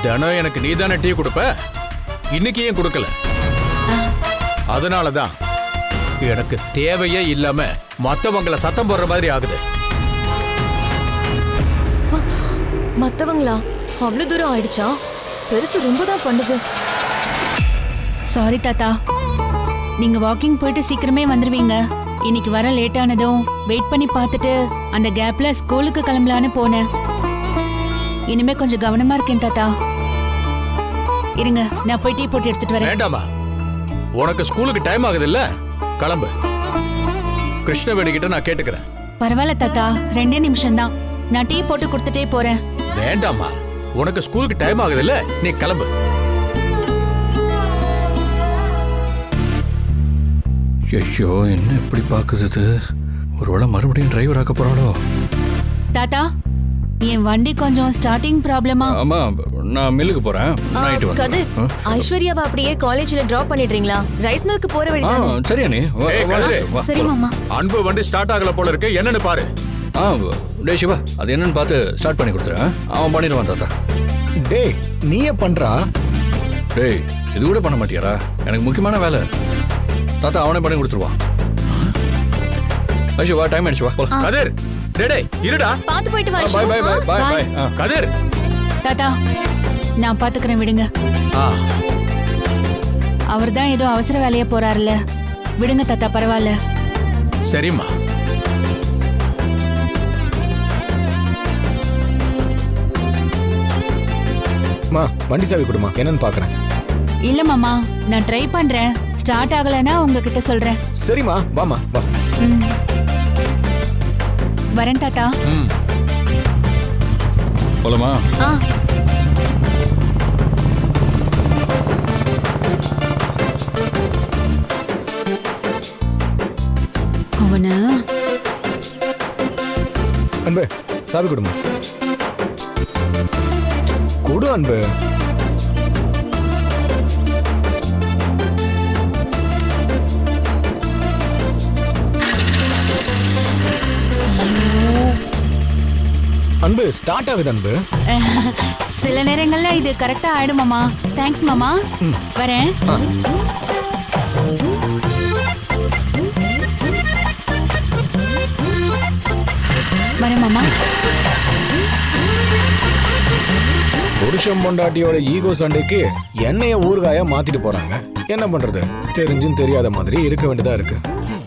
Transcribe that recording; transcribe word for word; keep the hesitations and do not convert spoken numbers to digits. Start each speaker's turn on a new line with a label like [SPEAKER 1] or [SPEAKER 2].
[SPEAKER 1] தினம் எனக்கு நீ தானே டீ கொடுப்ப, இன்னைக்கு ஏன் கொடுக்கல? அதனாலதான் எனக்கு தேவையே இல்லாம மத்தவங்கள சத்தம் போடுற மாதிரி ஆகுது.
[SPEAKER 2] மத்தவங்களா? அவ்வளவு தூரம் ஆயிடுச்சா? பெருசு ரொம்ப தான் பண்ணுது.
[SPEAKER 3] சாரி தாத்தா, நீங்க வாக்கிங் போயிட்டு சீக்கிரமே வந்துருவீங்க. இன்னைக்கு வர லேட் ஆனதும் வெயிட் பண்ணி பார்த்துட்டு அந்த கேப்ல ஸ்கூலுக்கு கிளம்பலான்னு போனேன். இனிமே கொஞ்சம் கவனமா இருக்கேன் தாத்தா. இருங்க, நான் போய் டீ போட்டு எடுத்துட்டு வரேன்.
[SPEAKER 1] வேண்டாமா, உனக்கு ஸ்கூலுக்கு டைம் ஆகுது இல்ல, கிளம்பு. கிருஷ்ணவேணி கிட்ட நான் கேட்டுக்கிறேன்.
[SPEAKER 3] பரவாயில்ல தாத்தா, ரெண்டே நிமிஷம் தான், நான் டீ போட்டு கொடுத்துட்டே போறேன்.
[SPEAKER 1] வேண்டாமா, உனக்கு ஸ்கூலுக்கு டைம் ஆகுது இல்ல, நீ கிளம்பு.
[SPEAKER 4] ஐயோ, என்ன இப்படி பாக்குது? ஒருவேளை மறுபடியும் டிரைவர் ஆக்க போறாளோ?
[SPEAKER 3] தாத்தா, என் வண்டி கொஞ்சம் ஸ்டார்டிங் ப்ராப்ளமா.
[SPEAKER 4] ஆமா, நான் மில்லுக்கு போறேன். நைட் வந்து
[SPEAKER 2] கதிர், ஐஸ்வர்யாவை அப்படியே காலேஜ்ல டிராப் பண்ணிடுறீங்களா? ரைஸ் மில்க்கு போற வழி
[SPEAKER 4] ஆ
[SPEAKER 2] தானே?
[SPEAKER 4] சரியா நீ வா,
[SPEAKER 1] ஏய்,
[SPEAKER 4] வா,
[SPEAKER 1] கதிரு.
[SPEAKER 4] வா,
[SPEAKER 3] சரி
[SPEAKER 4] போலாம்.
[SPEAKER 3] மாமா.
[SPEAKER 1] அன்பு வண்டி ஸ்டார்ட் ஆகல போல இருக்கு, என்னன்னு பாரு.
[SPEAKER 4] ஆ டே சிவா, அது என்னன்னு பார்த்து ஸ்டார்ட் பண்ணி கொடுத்துறேன். அவன் பண்ணிடுவான் தாத்தா.
[SPEAKER 5] டேய், நீயே பண்றா?
[SPEAKER 4] டேய், இது கூட பண்ண மாட்டியாரா? எனக்கு முக்கியமான வேலை. தாத்தா அவனே பண்ணி கொடுத்துருவான். ஐஷு வா, டைம் ஆயிடுச்சு, வா போலாம்.
[SPEAKER 1] கதிர், டேய் டேய், இருடா.
[SPEAKER 2] பாத்து போயிட்டு வா.
[SPEAKER 4] Bye bye bye bye
[SPEAKER 3] Bye.
[SPEAKER 4] Bye.
[SPEAKER 1] Kathir.
[SPEAKER 3] தாத்தா, நான் பாத்துக்கிறேன், விடுங்க.
[SPEAKER 1] ஆ,
[SPEAKER 3] அவர் தான் ஏதோ அவசர வேலையா போறாருல, விடுங்க தாத்தா, பரவாயில்ல.
[SPEAKER 1] சரிம்மா.
[SPEAKER 5] மா, வண்டி சாவி கொடுமா, என்னன்னு பாக்குறேன்.
[SPEAKER 3] இல்ல மாமா, நான் ட்ரை பண்றேன். ஸ்டார்ட் ஆகலன்னா உங்ககிட்ட சொல்றேன்.
[SPEAKER 5] சரிம்மா, வாமா வா.
[SPEAKER 3] ம். வரேன் தாத்தா.
[SPEAKER 1] ம்.
[SPEAKER 4] போலாமா?
[SPEAKER 3] ஆ. அவன
[SPEAKER 5] அன்பு, சாவி கொடுமா. கொடு அன்பு. அன்பு, ஸ்டார்ட் ஆகுது அன்பு.
[SPEAKER 3] சில நேரங்கள்ல இது கரெக்டா ஆயிடும் மாமா. தேங்க்ஸ் மாமா. வரேன்.
[SPEAKER 5] ஆ.
[SPEAKER 3] வரேன் மாமா.
[SPEAKER 5] புருஷன் பொண்டாட்டியோட ஈகோ சண்டைக்கு என்னைய ஊறுகாயா மாத்திட்டு போறாங்க. என்ன பண்றது? தெரிஞ்சும் தெரியாத மாதிரி இருக்க வேண்டியதா இருக்கு.